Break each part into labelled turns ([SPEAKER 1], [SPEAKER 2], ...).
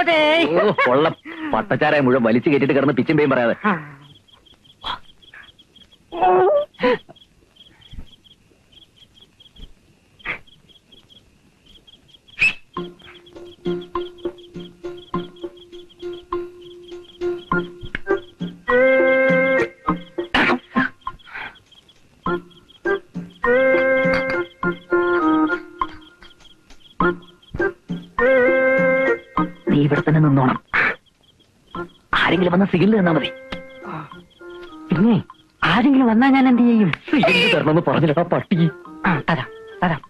[SPEAKER 1] കൊള്ള പട്ടച്ചാരായ മുഴുവൻ വലിച്ചു കയറ്റിട്ട് കിടന്ന് പിച്ചും പേയും പറയാതെ. നീ ഇവിടെ തന്നെ നിന്നോണം. ആരെങ്കിലും വന്ന സിഗ്നൽ തന്നാ മതി.
[SPEAKER 2] പിന്നെ ആരെങ്കിലും വന്നാ ഞാൻ എന്ത് ചെയ്യും?
[SPEAKER 1] സിഗ്നൽ തരണമെന്ന് പറഞ്ഞില്ലടാ പട്ടി.
[SPEAKER 2] തരാം തരാം.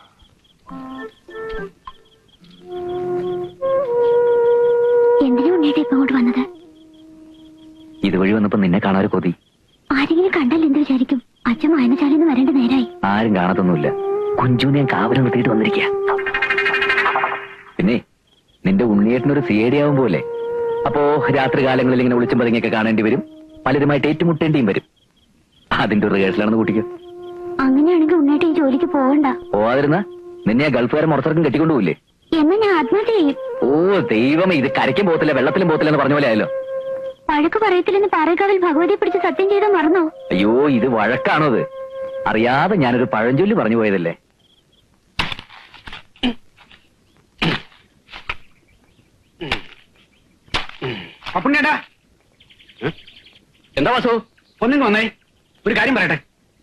[SPEAKER 3] എന്തിനാ ഉണ്ണേട്ടാ ഇപ്പൊ അങ്ങോട്ട് വന്നത്?
[SPEAKER 1] ഇതുവഴി വന്നപ്പോ നിന്നെ കാണാൻ കൊതി.
[SPEAKER 3] ആരെങ്കിലും കണ്ടാൽ എന്ത് വിചാരിക്കും? അച്ഛൻ വായനശാലയിൽ നിന്ന് വരേണ്ട നേരായി.
[SPEAKER 1] ആരും കാണത്തൊന്നുമില്ല. കുഞ്ചുനെ ഞാൻ കാവലം നിർത്തിയിട്ട് വന്നിരിക്കുക. പിന്നെ നിന്റെ ഉണ്ണിയേട്ടനൊരു സിഐഡി ആവും പോലെ. അപ്പോ രാത്രി കാലങ്ങളിൽ ഇങ്ങനെ വിളിച്ചും പതുങ്ങിയൊക്കെ കാണേണ്ടി വരും. പലരുമായിട്ട് ഏറ്റുമുട്ടേണ്ടിയും വരും. അതിന്റെ ഒരു റിഹേഴ്സലാണെന്ന് കൂട്ടിക്കോ.
[SPEAKER 3] അങ്ങനെയാണെങ്കിൽ ഉണ്ണേട്ട ഈ ജോലിക്ക് പോകണ്ട.
[SPEAKER 1] പോവാതിരുന്ന നിന്നെ ആ ഗൾഫുകാരൻ മുറത്തിറക്കം കെട്ടിക്കൊണ്ടുപോയില്ലേ?
[SPEAKER 3] എന്നാ ഞാൻ ആത്മഹത്യ ചെയ്യും.
[SPEAKER 1] ഓ ദൈവമേ, ഇത് കരയ്ക്കും പോകത്തില്ല വെള്ളത്തിലും പോകത്തില്ല എന്ന് പറഞ്ഞ പോലെ ആയല്ലോ.
[SPEAKER 3] വഴക്ക് പറയത്തില്ലെന്ന് പാറേക്കാവിൽ ഭഗവതിയെ പിടിച്ച് സത്യം ചെയ്താൽ മറന്നോ?
[SPEAKER 1] അയ്യോ, ഇത് വഴക്കാണോ? അത് അറിയാതെ ഞാനൊരു പഴഞ്ചൊല്ലി പറഞ്ഞു പോയതല്ലേ.
[SPEAKER 4] അപ്പുണ്ണേട്ടാ,
[SPEAKER 1] എന്താ വാസു?
[SPEAKER 4] ഒന്നിങ്ങ് വന്നേ, ഒരു കാര്യം പറയട്ടെ.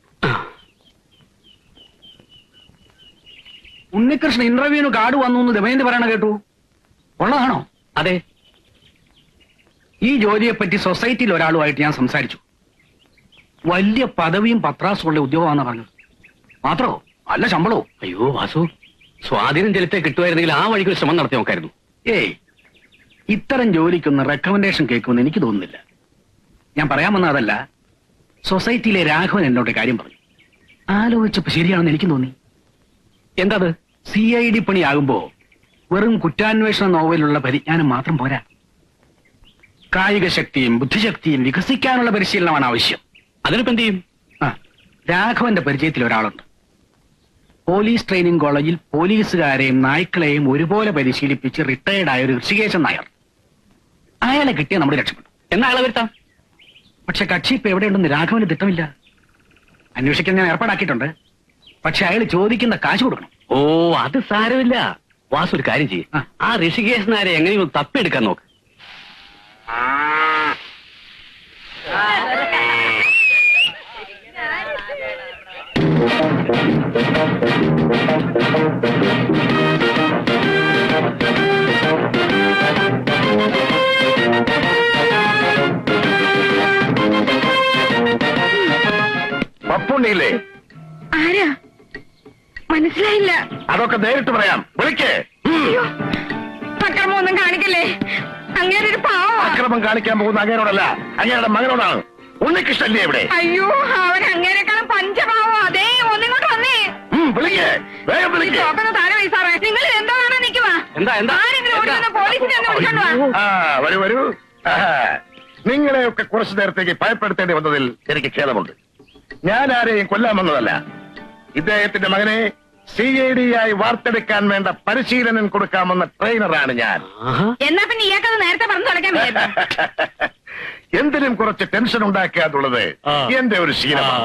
[SPEAKER 4] ഉണ്ണികൃഷ്ണൻ ഇന്റർവ്യൂവിന് കാർഡ് വന്നു എന്ന് ദമയന്തി പറയണ കേട്ടു. ഉള്ളതാണോ?
[SPEAKER 1] അതെ.
[SPEAKER 4] ഈ ജോലിയെപ്പറ്റി സൊസൈറ്റിയിൽ ഒരാളുമായിട്ട് ഞാൻ സംസാരിച്ചു. വലിയ പദവിയും പത്രാസുള്ള ഉദ്യോഗമാണെന്ന് പറഞ്ഞത്. മാത്രോ നല്ല ശമ്പളോ.
[SPEAKER 1] അയ്യോ വാസു, സ്വാധീനം ചെലുത്തേ കിട്ടുമായിരുന്നെങ്കിൽ ആ വഴിക്ക് ശ്രമം നടത്തി നോക്കായിരുന്നു.
[SPEAKER 4] ഏയ്, ഇത്തരം ജോലിക്കൊന്ന് റെക്കമെൻഡേഷൻ കേൾക്കുമെന്ന് എനിക്ക് തോന്നുന്നില്ല. ഞാൻ പറയാൻ വന്ന അതല്ല. സൊസൈറ്റിയിലെ രാഘവൻ എന്നോട് കാര്യം പറഞ്ഞു. ആലോചിച്ചപ്പോ ശരിയാണെന്ന് എനിക്ക് തോന്നി.
[SPEAKER 1] എന്താത്?
[SPEAKER 4] CID പണിയാകുമ്പോ വെറും കുറ്റാന്വേഷണ നോവലുള്ള പരിജ്ഞാനം മാത്രം പോരാ. കായിക ശക്തിയും ബുദ്ധിശക്തിയും വികസിക്കാനുള്ള പരിശീലനമാണ് ആവശ്യം.
[SPEAKER 1] അതിനിപ്പോ എന്ത് ചെയ്യും?
[SPEAKER 4] രാഘവന്റെ പരിചയത്തിൽ ഒരാളുണ്ട്. പോലീസ് ട്രെയിനിങ് കോളേജിൽ പോലീസുകാരെയും നായ്ക്കളെയും ഒരുപോലെ പരിശീലിപ്പിച്ച് റിട്ടയർഡ് ആയ ഒരു ഋഷികേശൻ നായർ. അയാളെ കിട്ടിയ നമ്മൾ രക്ഷപ്പെട്ടു.
[SPEAKER 1] എന്നാ അയാളെ വരുത്താം.
[SPEAKER 4] പക്ഷെ കക്ഷി ഇപ്പൊ എവിടെയുണ്ടെന്ന് രാഘവന് തിട്ടമില്ല. അന്വേഷിക്കാൻ ഞാൻ ഏർപ്പാടാക്കിയിട്ടുണ്ട്. പക്ഷെ അയാൾ ചോദിക്കുന്ന കാശ് കൊടുക്കണം.
[SPEAKER 1] ഓ, അത് സാരമില്ല. വാസു ഒരു കാര്യം ചെയ്യും. ആ ഋഷികേശനാരെ എങ്ങനെയും തപ്പിയെടുക്കാൻ നോക്ക്.
[SPEAKER 5] പപ്പുണ്ണിയില്ലേ?
[SPEAKER 3] ആരാ? മനസ്സിലായില്ല.
[SPEAKER 5] അതൊക്കെ നേരിട്ട് പറയാം. വിളിക്കേ.
[SPEAKER 3] അക്രമമൊന്നും കാണിക്കല്ലേ. അങ്ങേരൊരു പാവം.
[SPEAKER 5] അക്രമം കാണിക്കാൻ പോകുന്ന അങ്ങേരോടല്ല, അങ്ങേരുടെ മകനോടാണ്. ഉണ്ണികൃഷ്ണല്ലേ ഇവിടെ?
[SPEAKER 3] അയ്യോ, അവൻ അങ്ങേരെക്കാളും പഞ്ചപാവം. അതേ, ഒന്നിങ്ങോട്ട് വന്നേ.
[SPEAKER 5] വിളിക്കേ, വേഗം വിളിക്കേ.
[SPEAKER 3] താഴെ വയസ്സാറേ, നിങ്ങൾ എന്താണ് നിൽക്കുവാ? ആരെങ്കിലും ഓടി വന്ന് പോലീസിനെ ഒന്ന് വിളിച്ചോണ്ട് വാ.
[SPEAKER 5] വരൂ വരൂ. നിങ്ങളെയൊക്കെ കുറച്ചു നേരത്തേക്ക് ഭയപ്പെടുത്തേണ്ടി വന്നതിൽ എനിക്ക് ഖേദമുണ്ട്. ഞാൻ ആരെയും കൊല്ലാൻ വന്നതല്ല. ഇദ്ദേഹത്തിന്റെ മകനെ CID ആയി വാർത്തെടുക്കാൻ വേണ്ട പരിശീലനം കൊടുക്കാമെന്ന ട്രെയിനറാണ് ഞാൻ.
[SPEAKER 3] എന്നാ പിന്നെ ഇയാൾക്കത് നേരത്തെ പറഞ്ഞു തുടക്കാൻ.
[SPEAKER 5] എന്തിനും കുറച്ച് ടെൻഷൻ ഉണ്ടാക്കുക എന്നുള്ളത് എന്റെ ഒരു ശീലമാണ്.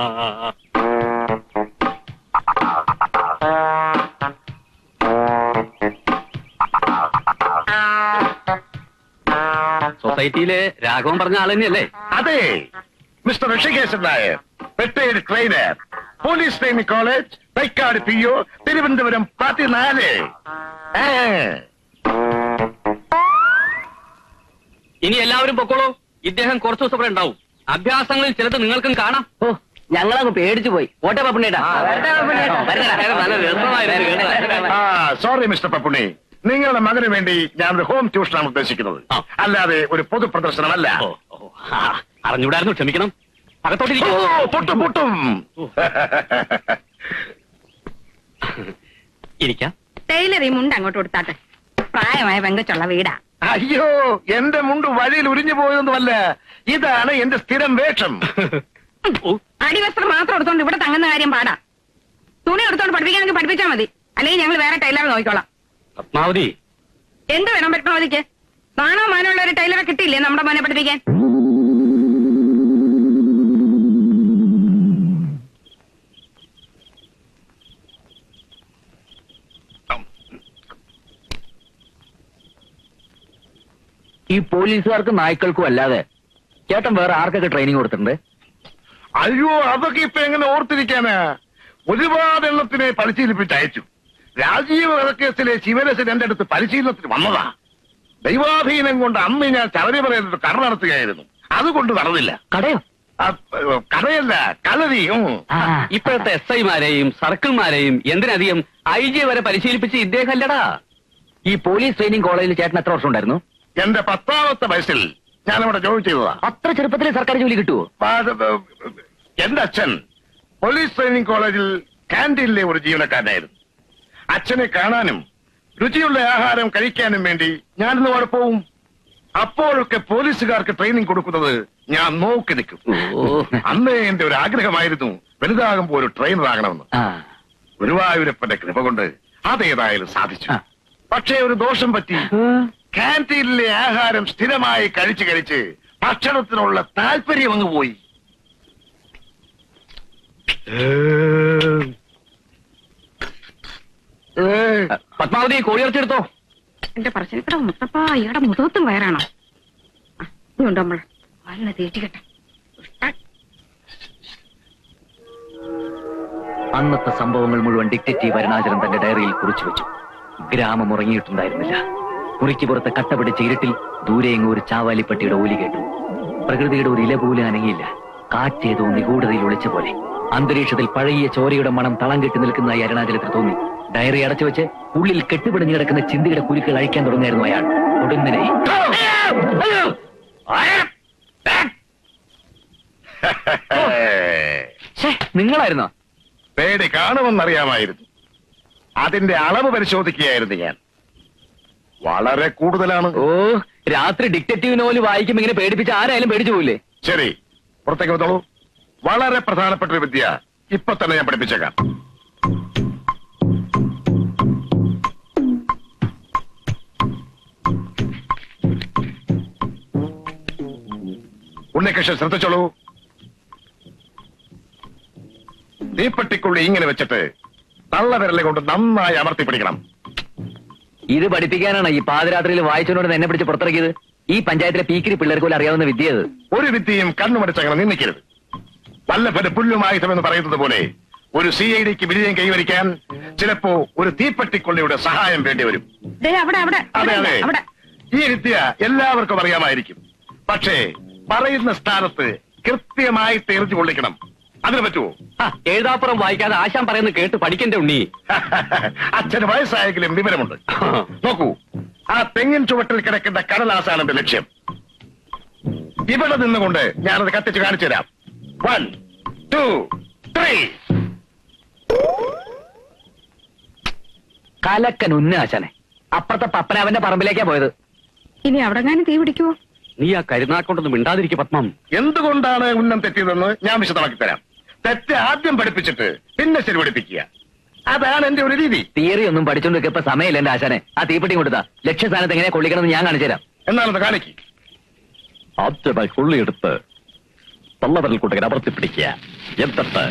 [SPEAKER 1] സൊസൈറ്റിയിലെ രാഘവൻ പറഞ്ഞ ആൾ തന്നെയല്ലേ?
[SPEAKER 5] അതെ, mister Rishikeshan Nair, retired trainer, police training college, Thycaud PO, Thiruvananthapuram 14.
[SPEAKER 1] ഇനി എല്ലാവരും പൊക്കോളൂ. ഇദ്ദേഹം കുറച്ചു ദിവസം ഇവിടെ ഉണ്ടാവും. അഭ്യാസങ്ങളിൽ ചിലത് നിങ്ങൾക്കും കാണാം. ഓ, ഞങ്ങളങ്ങ് പേടിച്ചു പോയി. ഓട്ടെ പപ്പുണ്ണേട്ടാ.
[SPEAKER 5] സോറി മിസ്റ്റർ പപ്പുണ്ണി, നിങ്ങളുടെ മകന് വേണ്ടി ഞാനൊരു ഹോം ട്യൂഷനാണ് ഉദ്ദേശിക്കുന്നത്, അല്ലാതെ ഒരു പൊതു പ്രദർശനമല്ല.
[SPEAKER 1] അറിഞ്ഞൂടായിരുന്നു, ക്ഷമിക്കണം.
[SPEAKER 5] പൊട്ടും പൊട്ടും.
[SPEAKER 1] ഇരിക്കാം.
[SPEAKER 3] ടൈലർ ഈ മുണ്ട് അങ്ങോട്ട് കൊടുത്താട്ടെ. പ്രായമായ പെങ്കച്ചുള്ള വീടാ.
[SPEAKER 5] അയ്യോ, എന്റെ മുണ്ട് വഴിയിൽ ഉരിഞ്ഞു പോയതൊന്നുമല്ല. ഇതാണ് എന്റെ സ്ഥിരം വേഷം.
[SPEAKER 3] അടിവസ്ത്രം മാത്രം എടുത്തോണ്ട് ഇവിടെ തങ്ങുന്ന കാര്യം പാടാ. തുണി എടുത്തോണ്ട് പഠിപ്പിക്കാനെങ്കിൽ പഠിപ്പിച്ചാൽ മതി. അല്ലെങ്കിൽ ഞങ്ങൾ വേറെ ടൈലർ നോക്കിക്കോളാം.
[SPEAKER 1] പത്മാവതി,
[SPEAKER 3] എന്ത് വേണം പത്മാവതിക്ക്? നാണോ മാനുള്ള ഒരു ടൈലറെ കിട്ടിയില്ലേ നമ്മുടെ മോനെ പഠിപ്പിക്കാൻ?
[SPEAKER 1] ഈ പോലീസുകാർക്കും നായ്ക്കൾക്കും അല്ലാതെ ചേട്ടൻ വേറെ ആർക്കൊക്കെ ട്രെയിനിങ് കൊടുത്തിട്ടുണ്ട്?
[SPEAKER 5] അയ്യോ, അതൊക്കെ ഇപ്പൊ എങ്ങനെ ഓർത്തിരിക്കാനാ? ഒരുപാട് എണ്ണത്തിനെ പരിശീലിപ്പിച്ച് അയച്ചു. രാജീവ് വധക്കേസിലെ ശിവരസൻ എന്റെ അടുത്ത് പരിശീലനത്തിന് വന്നതാ. ദൈവാധീനം കൊണ്ട് അന്ന് ഞാൻ ശബരിമലയിൽ കട നടത്തുകയായിരുന്നു. അതുകൊണ്ട് നടന്നില്ല.
[SPEAKER 1] കടയോ?
[SPEAKER 5] കടയല്ല, കളരി.
[SPEAKER 2] ഇപ്പോഴത്തെ SI-മാരെയും സർക്കിൾമാരെയും എന്തിനധികം IG വരെ പരിശീലിപ്പിച്ച് ഇദ്ദേഹം അല്ലടാ.
[SPEAKER 1] ഈ പോലീസ് ട്രെയിനിങ് കോളേജിൽ ചേട്ടൻ എത്ര വർഷം ഉണ്ടായിരുന്നു?
[SPEAKER 5] എന്റെ 10ാമത്തെ വയസ്സിൽ ഞാനവിടെ ജോലി ചെയ്തതാ.
[SPEAKER 1] അത്ര ചെറുപ്പത്തിൽ സർക്കാർ ജോലി കിട്ടുമോ?
[SPEAKER 5] എന്റെ അച്ഛൻ പോലീസ് ട്രെയിനിങ് കോളേജിൽ കാന്റീനിലെ ഒരു ജീവനക്കാരനായിരുന്നു. അച്ഛനെ കാണാനും രുചിയുള്ള ആഹാരം കഴിക്കാനും വേണ്ടി ഞാനിന്ന് അവിടെ പോവും. അപ്പോഴൊക്കെ പോലീസുകാർക്ക് ട്രെയിനിങ് കൊടുക്കുന്നത് ഞാൻ നോക്കി നിൽക്കും. അന്ന് എന്റെ ഒരു ആഗ്രഹമായിരുന്നു വലുതാകുമ്പോൾ ഒരു ട്രെയിനർ ആകണമെന്ന്. ഗുരുവായൂരപ്പന്റെ കൃപ കൊണ്ട് അതേതായാലും സാധിച്ചു. പക്ഷേ ഒരു ദോഷം പറ്റി. കാന്റീനിലെ ആഹാരം സ്ഥിരമായി കഴിച്ച് കഴിച്ച് ഭക്ഷണത്തിനുള്ള താല്പര്യം അങ്ങ് പോയി.
[SPEAKER 1] പത്മാവതി കോഴിയിറച്ചെടുത്തോ.
[SPEAKER 3] എന്റെ പറശ്ശിനിക്കട മുത്തപ്പ, ഇയാടെ മുഖത്തും വയറാണോ? ഇതുണ്ട് നമ്മൾ വല്ല തേച്ചിക്കട്ടെ.
[SPEAKER 1] അന്നത്തെ സംഭവങ്ങൾ മുഴുവൻ ഡിറ്റക്റ്റീവ് അരുണാചലൻ തന്റെ ഡയറിയിൽ കുറിച്ചു വെച്ചു. ഗ്രാമം ഉറങ്ങിയിട്ടുണ്ടായിരുന്നില്ല. മുറിക്ക് പുറത്ത് കട്ട പിടിച്ച ഇരുട്ടിൽ ദൂരെയെങ്ങും ഒരു ചാവാലിപ്പട്ടിയുടെ ഓലി കേട്ടു. പ്രകൃതിയുടെ ഒരു ഇല പോലും അനങ്ങിയില്ല. കാറ്റേതോ നിഗൂഢതയിൽ ഒളിച്ച പോലെ. അന്തരീക്ഷത്തിൽ പഴകിയ ചോരയുടെ മണം തളം കെട്ടി നിൽക്കുന്നതായി അരുണാചലത്തിൽ തോന്നി. ഡയറി അടച്ചു വെച്ച് ഉള്ളിൽ കെട്ടുപിടിഞ്ഞു കിടക്കുന്ന ചിന്തയുടെ കുരുക്കൾ അഴിക്കാൻ തുടങ്ങിയായിരുന്നു അയാൾ. ഒടുങ്ങിനെ നിങ്ങളായിരുന്നോ?
[SPEAKER 5] പേടി കാണുമെന്നറിയാമായിരുന്നു. അതിന്റെ അളവ് പരിശോധിക്കുകയായിരുന്നു ഞാൻ. വളരെ കൂടുതലാണ്.
[SPEAKER 1] ഓ, രാത്രി ഡിറ്റക്റ്റീവ് നോവൽ വായിക്കുമ്പോ ഇങ്ങനെ പേടിപ്പിച്ച് ആരായാലും പേടിച്ചു പോയില്ലേ?
[SPEAKER 5] ശരി, പുറത്തേക്ക് വന്നോളൂ. വളരെ പ്രധാനപ്പെട്ട ഒരു വിദ്യ ഇപ്പൊ തന്നെ ഞാൻ പഠിപ്പിച്ചേക്കാം. ഉണ്ണികൃഷ്ണൻ ശ്രദ്ധിച്ചോളൂ. തീപ്പെട്ടിക്കുള്ളി ഇങ്ങനെ വെച്ചിട്ട് തള്ളവിരലെ കൊണ്ട് നന്നായി അമർത്തി പിടിക്കണം.
[SPEAKER 1] ഇത് പഠിപ്പിക്കാനാണ് ഈ പാതിരാത്രിയിൽ വായിച്ചോണ്ട് എന്നെ പിടിച്ച് പുറത്തിറക്കിയത്. ഈ പഞ്ചായത്തിലെ പീക്കിരി പിള്ളേർക്ക് പോലും അറിയാവുന്ന വിദ്യത്.
[SPEAKER 5] ഒരു വിദ്യയും കണ്ണുമടിച്ചങ്ങനെ നിന്നിക്കരുത്. വല്ലഭന് പുല്ലുമായുധമെന്ന് പറയുന്നത് പോലെ ഒരു CIDക്ക് വിജയം കൈവരിക്കാൻ ചിലപ്പോ ഒരു തീപ്പെട്ടിക്കൊള്ളിയുടെ സഹായം വേണ്ടി വരും. അതെ അതെ, ഈ വിദ്യ എല്ലാവർക്കും അറിയാമായിരിക്കും. പക്ഷേ പറയുന്ന സ്ഥാനത്ത് കൃത്യമായിട്ട് എറിഞ്ഞു കൊള്ളിക്കണം. അതിന് പറ്റുമോ?
[SPEAKER 2] എഴുതാപ്പുറം വായിക്കാതെ ആശാൻ പറയുന്നത് കേട്ട് പഠിക്കണ്ടേ ഉണ്ണി?
[SPEAKER 5] അച്ഛന് വയസ്സായെങ്കിലും വിവരമുണ്ട്. നോക്കൂ, ആ തെങ്ങിൻ ചുവട്ടിൽ കിടക്കുന്ന കടലാസാണ് എന്റെ ലക്ഷ്യം. ഇവിടെ നിന്നുകൊണ്ട് ഞാനത് കത്തിച്ച് കാണിച്ചു തരാം. 1, 2, 3.
[SPEAKER 1] കലക്കൻ ഉന്നാശാനെ. അപ്പുറത്തെ പപ്പനാവന്റെ പറമ്പിലേക്കാ പോയത്.
[SPEAKER 3] ഇനി അവിടെ തീ പിടിക്കുവോ?
[SPEAKER 2] നീ ആ കരുനാക്കൊണ്ടൊന്നും മിണ്ടാതിരിക്കും പത്മം.
[SPEAKER 5] എന്തുകൊണ്ടാണ് ഉന്നം തെറ്റിയതെന്ന് ഞാൻ വിശദമാക്കി തരാം. തെറ്റ് ആദ്യം പഠിപ്പിച്ചിട്ട് പിന്നെ ശരി പഠിപ്പിക്കുക. അതാണ് എന്റെ ഒരു രീതി.
[SPEAKER 1] തിയറി ഒന്നും പഠിച്ചോണ്ട് ഇപ്പൊ സമയമില്ല എന്റെ ആശാനെ. ആ തീപ്പെട്ടി കൊടുത്താ ലക്ഷ്യസ്ഥാനത്ത് എങ്ങനെ കൊള്ളിക്കണമെന്ന് ഞാൻ കാണിച്ചു തരാം.
[SPEAKER 5] എന്നാണത് കാണിക്ക്.
[SPEAKER 1] ആദ്യമായി കൊള്ളിയെടുത്ത് തള്ളവരൽ കൂട്ടകൻ അമർത്തി പിടിക്കുക. എന്നിട്ട്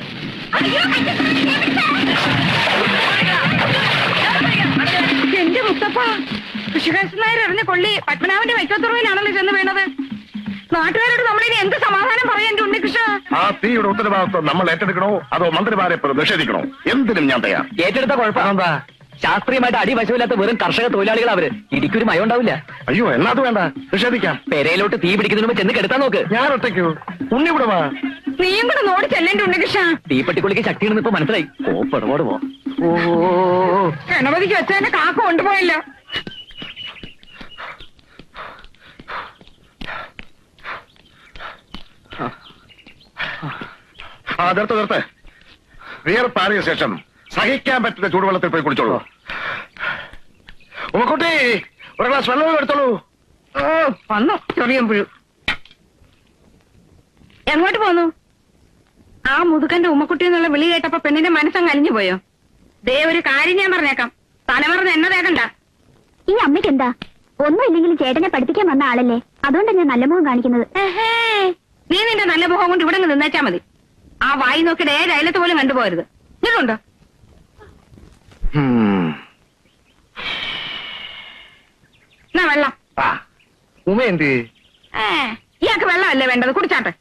[SPEAKER 3] എന്റെ മുത്തപ്പ, കൃഷികാശൻ നായർ എറിഞ്ഞ കൊള്ളി പത്മനാഭന്റെ വൈക്കത്തുറവിലാണല്ലോ ചെന്ന് വീണത്. നാട്ടുകാരോട് നമ്മളിനി എന്ത് സമാധാനം പറയാൻ എന്റെ ഉണ്ണികൃഷ്ണ?
[SPEAKER 5] ആ തീയുടെ ഉത്തരവാദിത്വം നമ്മൾ ഏറ്റെടുക്കണോ അതോ മന്ത്രിമാരെ നിഷേധിക്കണോ? എന്തിനും ഞാൻ തയ്യാർ.
[SPEAKER 1] ഏറ്റെടുത്ത കുഴപ്പമെന്താ? ശാസ്ത്രീയമായിട്ട് അടിവശമില്ലാത്ത വെറും കർഷക തൊഴിലാളികൾ അവര്. ഇടിക്കൊരു മയം ഉണ്ടാവില്ല.
[SPEAKER 5] അയ്യോ, എന്നാ അത് വേണ്ട, നിഷേധിക്കാം.
[SPEAKER 1] പെരയിലോട്ട് തീ പിടിക്കുന്നതിന് മുമ്പ് ചെന്ന് കെടുത്താൻ നോക്ക്.
[SPEAKER 5] ഞാൻ ഒറ്റയ്ക്കോ? ഉണ്ണി കൂടെ വാ.
[SPEAKER 3] നീയും കൂടെ നോടി ചെല്ലേണ്ട ഉണ്ണികൃഷ്ണ.
[SPEAKER 1] തീപ്പെട്ടിക്കുള്ളിക്ക് ശക്തിയാണെന്ന് ഇപ്പൊ മനസ്സിലായി. കോപ്പടപാട് പോ.
[SPEAKER 3] ഗണപതിക്ക് വെച്ചതിന്റെ കാക്ക കൊണ്ടുപോയല്ലോ.
[SPEAKER 5] നിർത്ത്. വിയർപ്പാറിയ ശേഷം സഹിക്കാൻ പറ്റുന്ന ചൂടുവെള്ളത്തിൽ പോയി കുടിച്ചോളൂ. ഉമ്മക്കുട്ടി, ഒരു ഗ്ലാസ് വെള്ളം എടുത്തോളൂ.
[SPEAKER 3] വന്നു ചൊറിയം പുഴു. എങ്ങോട്ട് പോന്നു? ആ മുതുക്കന്റെ ഉമ്മക്കുട്ടി എന്നുള്ള വിളി കേട്ടപ്പോ പെണ്ണിന്റെ മനസ്സങ്ങ് അലിഞ്ഞു പോയോ? ദേ ഒരു കാര്യം ഞാൻ പറഞ്ഞേക്കാം, തലമറന്ന് എന്നെ തേക്കണ്ട.
[SPEAKER 6] ഈ അമ്മയ്ക്ക് എന്താ? ഒന്നുമില്ലെങ്കിലും ചേട്ടനെ പഠിപ്പിക്കാൻ വന്ന ആളല്ലേ, അതുകൊണ്ടാണ് ഞാൻ നല്ല മുഖം കാണിക്കുന്നത്.
[SPEAKER 3] നീ നിന്റെ നല്ല മുഖം കൊണ്ട് ഇവിടെ നിന്നേച്ചാ മതി. ആ വായി നോക്കിയിട്ട് ഏത് അയലത്ത് പോലും കണ്ടുപോകരുത്. ഇതുണ്ടോ? എന്നാ വെള്ളം.
[SPEAKER 5] ഉമ എന്ത്?
[SPEAKER 3] ഇയാൾക്ക് വെള്ളമല്ലേ വേണ്ടത്, കുടിച്ചാട്ടെ.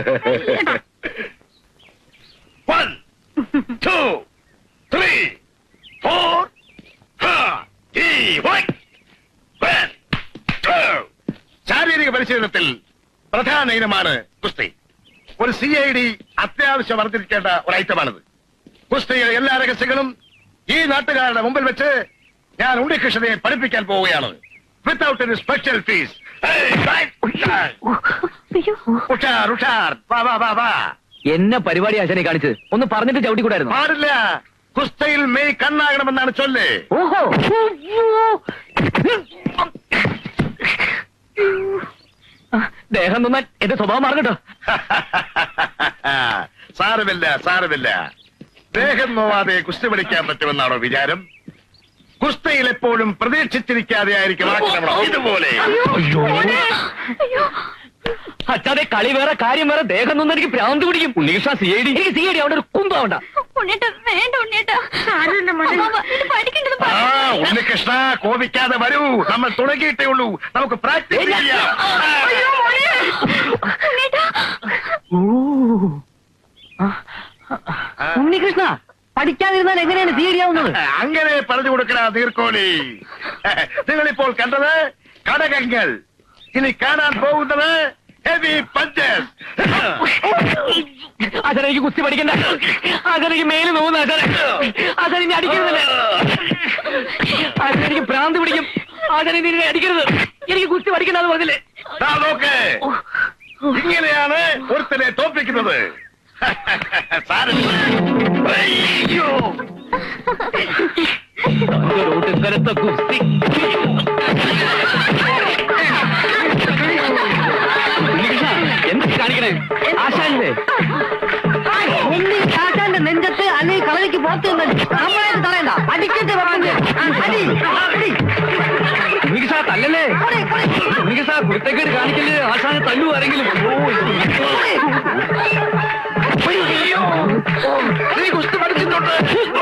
[SPEAKER 5] 1 2 3 4 ശാരീരിക പരിശീലനത്തിൽ പ്രധാന ഇനമാണ് കുസ്തി. ഒരു CID അത്യാവശ്യം വർദ്ധിപ്പിക്കേണ്ട ഒരു ഐറ്റമാണിത്. കുസ്തിയുടെ എല്ലാ രഹസ്യങ്ങളും ഈ നാട്ടുകാരുടെ മുമ്പിൽ വെച്ച് ഞാൻ ഉണ്ണികൃഷ്ണനെ പഠിപ്പിക്കാൻ പോവുകയാണ്. Without any special fees.
[SPEAKER 1] എന്നെ പരിപാടി ആശാനെ കാണിച്ചത് ഒന്ന് പറഞ്ഞിട്ട് ചവിട്ടിക്കൂടായിരുന്നു.
[SPEAKER 5] പാടില്ല. കുസ്തയിൽ മെയ് കണ്ണാകണമെന്നാണ് ചൊല്ല്.
[SPEAKER 1] ഓഹോ, ദേഹം നന്നാൻ എന്റെ സ്വഭാവം മാറട്ടോ.
[SPEAKER 5] സാരമില്ല സാരമില്ല. ദേഹം നോവാതെ കുസ്തി പഠിക്കാൻ പറ്റുമെന്നാണോ വിചാരം? കുസ്തയിൽ എപ്പോഴും പ്രതീക്ഷിച്ചിരിക്കാതെ ആയിരിക്കും ആക്രമണം. ഇതുപോലെ
[SPEAKER 1] അച്ഛാതെ കളി വേറെ കാര്യം വേറെ. ദേഹം നൊന്നും എനിക്ക് ഭ്രാന്ത് പിടിക്കും. ഉണ്ണീഷ CID എനിക്ക് CID അവിടെ ഒരു കുന്തമാവണ്ട.
[SPEAKER 5] ഉണ്ണികൃഷ്ണ കോപിക്കാതെ വരൂ. നമ്മൾ തുടങ്ങിയിട്ടേ ഉള്ളൂ. നമുക്ക് പ്രാക്ടീസ് ചെയ്യാം.
[SPEAKER 1] ഉണ്ണികൃഷ്ണ പഠിക്കാതിരുന്നാൽ എങ്ങനെയാണ് CID ആവുന്നത്?
[SPEAKER 5] അങ്ങനെ പറഞ്ഞു കൊടുക്കണ നീർക്കോലി. നിങ്ങളിപ്പോൾ കണ്ടത് കടകങ്ങൾ. ഇനി കാണാൻ പോകുന്നത് ഹെവി പഞ്ചസ്.
[SPEAKER 1] അതെനിക്ക് കുസ്തി പഠിക്കണ്ട. അതെനിക്ക് മേല് നോവുന്ന അതെനിക്ക് അടിക്കുന്നില്ല. അതെനിക്ക് ഭ്രാന്ത് പിടിക്കും. അതെനിക്ക് അടിക്കരുത്. എനിക്ക് കുസ്തി പഠിക്കണ്ടെന്ന് പറഞ്ഞില്ലേ?
[SPEAKER 5] നോക്ക്, ഇങ്ങനെയാണ് ഒരുത്തനെ തോൽപ്പിക്കുന്നത്.
[SPEAKER 1] ഇന്നലത്തെ കുസ്തി എന്ത് കാണിക്കണേ? ആശാനല്ലേ ആശാന്റെ നെഞ്ചത്ത് അല്ലെങ്കിൽ കളരിക്ക് പുറത്ത് നമ്മളായിട്ട് തടയണ്ട. അടിക്കട്ടെ ഉണ്ണികൃഷ്ണ തല്ലല്ലേ? ഉണ്ണികൃഷ്ണ കുരുത്തക്കേട് കാണിക്കല്ലേ? ആശാനെ തല്ലു ആരെങ്കിലും.
[SPEAKER 5] നീ കുസ്തി പഠിച്ചിട്ടുണ്ട്.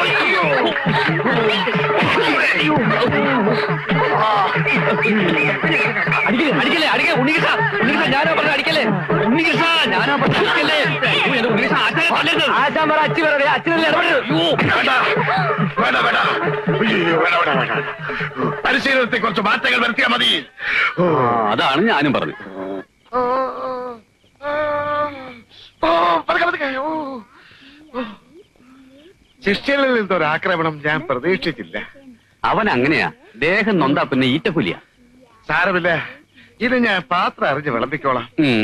[SPEAKER 1] അടിക്കല്ലേ അടിക്കല്ലേ അടിക്കേ. ഉണ്ണികൃഷ്ണ ഉണ്ണികൃഷ്ണ ഞാനാ പറഞ്ഞ അടിക്കല്ലേ. ഉണ്ണികൃഷ്ണ ഞാനാ പറഞ്ഞ അടിക്കല്ലേ. ഉണ്ണികൃഷ്ണ ആശാൻ പറ അച്ഛൻ പറ അച്ഛനല്ലേ ഇടപെടരുത്.
[SPEAKER 5] പരിശീലനത്തെ കുറച്ച് മാറ്റങ്ങൾ വരുത്തിയാൽ മതി.
[SPEAKER 2] അതാണ് ഞാനും പറഞ്ഞു.
[SPEAKER 5] ശിഷ്യനിൽ നിന്നൊരു ആക്രമണം ഞാൻ പ്രതീക്ഷിച്ചില്ല.
[SPEAKER 2] അവൻ അങ്ങനെയാ. ദേഹം നൊന്താ പിന്നെ ഈറ്റപ്പുലിയ.
[SPEAKER 5] സാരമില്ല, ഇത് ഞാൻ പാത്രം അറിഞ്ഞ് വിളമ്പിക്കോളാം.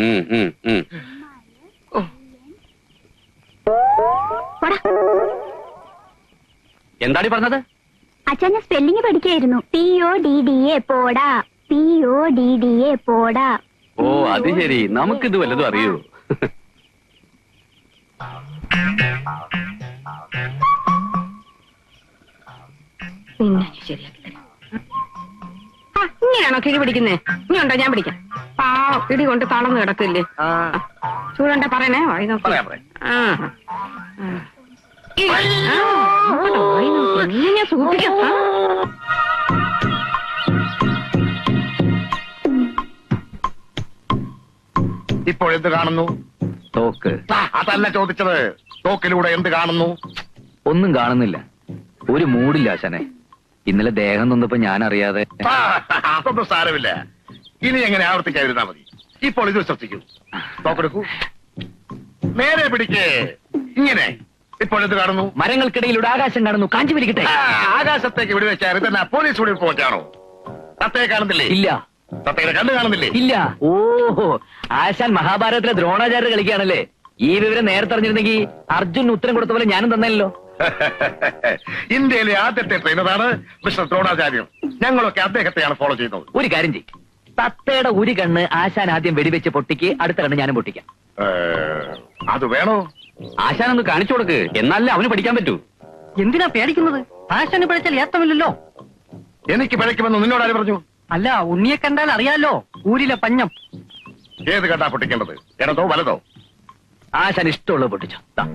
[SPEAKER 2] എന്താണ് പറഞ്ഞത്?
[SPEAKER 6] അച്ഛൻ ഞാൻ സ്പെല്ലിംഗ് പഠിക്കായിരുന്നു. PODDA പോടാ. PODDA പോടാ.
[SPEAKER 2] ഓ അത് ശരി. നമുക്കിത് വല്ലതും അറിയൂ?
[SPEAKER 3] പിന്നെ ശരിയാക്കി തരാം. ഇങ്ങനെയാണോ കിഴി പിടിക്കുന്നേ? ഇനിയുണ്ടോ ഞാൻ പിടിക്കാം. ഇടി കൊണ്ട് തളർന്ന് കിടക്കില്ലേ? ചൂടണ്ട പറയണേ. വായി നോക്കി. ഞാൻ സൂക്ഷിക്കാം.
[SPEAKER 5] ഇപ്പോൾ എന്ത് കാണുന്നു?
[SPEAKER 1] തോക്ക്.
[SPEAKER 5] അതല്ല ചോദിച്ചത്. തോക്കിലൂടെ എന്ത് കാണുന്നു?
[SPEAKER 1] ഒന്നും കാണുന്നില്ല. ഒരു മൂടില്ല ആശാനെ. ഇന്നലെ ദേഹം നൊന്നപ്പോ ഞാൻ അറിയാതെ.
[SPEAKER 5] അതൊന്നും സാരമില്ല. ഇനി എങ്ങനെ ആവർത്തിക്കാതിരുന്നാ മതി. ഇപ്പോൾ ഇത് ശ്രദ്ധിക്കൂ. തോക്കെടുക്കൂ. നേരെ പിടിക്കേ. ഇങ്ങനെ. ഇപ്പോൾ എന്ത് കാണുന്നു?
[SPEAKER 1] മരങ്ങൾക്കിടയിലൂടെ ആകാശം കാണുന്നു. കാഞ്ചി പിടിക്കട്ടെ.
[SPEAKER 5] ആകാശത്തേക്ക് വിടുവെച്ചാൽ ഇതെന്നാ പോലീസ് വെടിവെച്ചാണോ? തത്തയെ കാണുന്നില്ലേ?
[SPEAKER 1] ഇല്ല.
[SPEAKER 5] തത്തയുടെ കണ്ണ് കാണുന്നില്ലേ?
[SPEAKER 1] ഇല്ല. ഓഹോ, ആശാൻ മഹാഭാരതത്തിലെ ദ്രോണാചാര്യ കളിക്കുകയാണല്ലേ. ഈ വിവരം നേരത്തെ അറിഞ്ഞിരുന്നെങ്കിൽ അർജുൻ ഉത്തരം കൊടുത്ത പോലെ ഞാനും തന്നല്ലോ.
[SPEAKER 5] ഇന്ത്യയിലെ ആദ്യത്തെ ട്രെയിനറാണ് മിസ്റ്റർ ദ്രോണാചാര്യം. ഞങ്ങളൊക്കെ അദ്ദേഹത്തെയാണ് ഫോളോ ചെയ്യുന്നത്.
[SPEAKER 1] ഒരു കാര്യം ചെയ്യും. തത്തയുടെ ഒരു കണ്ണ് ആശാൻ ആദ്യം വെടിവെച്ച് പൊട്ടിക്ക്. അടുത്ത കണ്ണ് ഞാനും പൊട്ടിക്കാം.
[SPEAKER 5] അത് വേണോ?
[SPEAKER 2] ആശാനൊന്ന് കാണിച്ചു കൊടുക്ക്. എന്നാലേ അവന് പഠിക്കാൻ പറ്റൂ.
[SPEAKER 1] എന്തിനാ പേടിക്കുന്നത്? ആശാന് പഠിച്ചാൽ ഏത്തമില്ലല്ലോ.
[SPEAKER 5] എനിക്ക് പിഴയ്ക്കുമെന്ന് നിന്നോട് ആര് പറഞ്ഞു?
[SPEAKER 7] അല്ല ഉണ്ണിയെ കണ്ടാൽ അറിയാലോ ഊരിലെ പഞ്ഞം.
[SPEAKER 5] ഏത് കണ്ടാ പൊട്ടിക്കേണ്ടത്, ഇടതോ വലതോ?
[SPEAKER 1] ആശാൻ ഇഷ്ടമുള്ളത് പൊട്ടിച്ചോ. ദാ.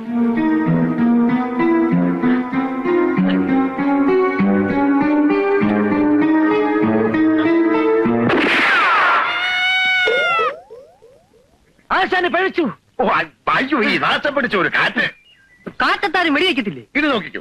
[SPEAKER 1] ആശാന് പഴിച്ചു.
[SPEAKER 5] ഓ അയ്യോ, ഈ നാശം പിടിച്ച ഒരു കാറ്റ്.
[SPEAKER 7] കാറ്റത്താരും വെടിവെക്കത്തില്ലേ?
[SPEAKER 5] ഇത് നോക്കിക്കോ.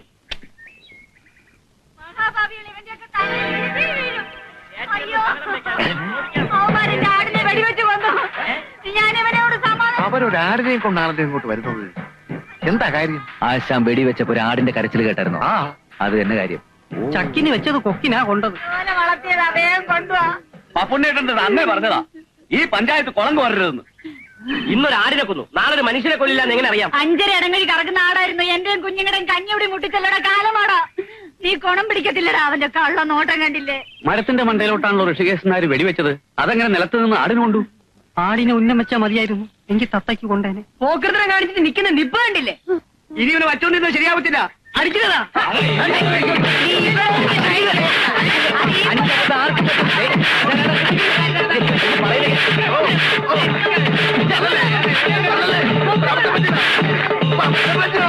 [SPEAKER 3] മഹാഭാവികൾ ഇവന്റെയൊക്കെ തലയിൽ ഇടി വീഴും. അയ്യോ, അവന്മാരെന്റെ ആടിനെ വെടിവെച്ച് കൊന്നു. ഞാൻ ഇവനോട് സമാധാനം.
[SPEAKER 5] അവരൊരാടിനെയും കൊണ്ടാണല്ലോ ഇങ്ങോട്ട് വരുന്നത്. എന്താ കാര്യം?
[SPEAKER 1] ആശാൻ വെടിവെച്ചപ്പോ ഒരു ആടിന്റെ കരച്ചിൽ കേട്ടായിരുന്നോ?
[SPEAKER 5] ആ,
[SPEAKER 1] അത് തന്നെ കാര്യം.
[SPEAKER 7] ചക്കിന് വെച്ചത് കൊക്കിനാ കൊണ്ടത്.
[SPEAKER 3] ഓനെ വളർത്തിയത് അദ്ദേഹം കൊണ്ടുവാ.
[SPEAKER 2] പപ്പുണ്ണേട്ടൻ അന്നേ പറഞ്ഞതാ ഈ പഞ്ചായത്ത് കുളം കോരരുതെന്ന്. ഇന്നൊരു ആടിനെ കൊന്നു, നാളെ ഒരു മനുഷ്യനെ കൊല്ലില്ലാന്ന് എങ്ങനെ അറിയാം?
[SPEAKER 3] 5 ഇടങ്ങഴി കറക്കുന്ന ആടായിരുന്നു. എന്റെയും കുഞ്ഞുങ്ങളുടെയും കഞ്ഞിയുടെ മുട്ടിച്ചല്ലട കാലമാടാ. നീ കൊണം പിടിക്കത്തില്ലടാ, അവന്റെ കള്ള നോട്ടം കണ്ടില്ലേ?
[SPEAKER 2] മരത്തിന്റെ മണ്ടയിലോട്ടാണല്ലോ ഋഷികേശൻ നായർ വെടിവെച്ചത്. അതെങ്ങനെ നിലത്ത് നിന്ന് ആടിന് കൊണ്ടു?
[SPEAKER 7] ആടിനെ ഉന്നം വെച്ചാ മതിയായിരുന്നു, എനിക്ക് തത്തയ്ക്ക് കൊണ്ടേനെ.
[SPEAKER 3] പോക്കൃതം കാണിച്ചിട്ട് നിൽക്കുന്ന നിപ്പ് കണ്ടില്ലേ?
[SPEAKER 2] ഇനി ഇവന് വച്ചോണ്ടിരുന്നത് ശരിയാവത്തില്ല. അടിക്കുന്നതാ.
[SPEAKER 5] പറ്റില്ല.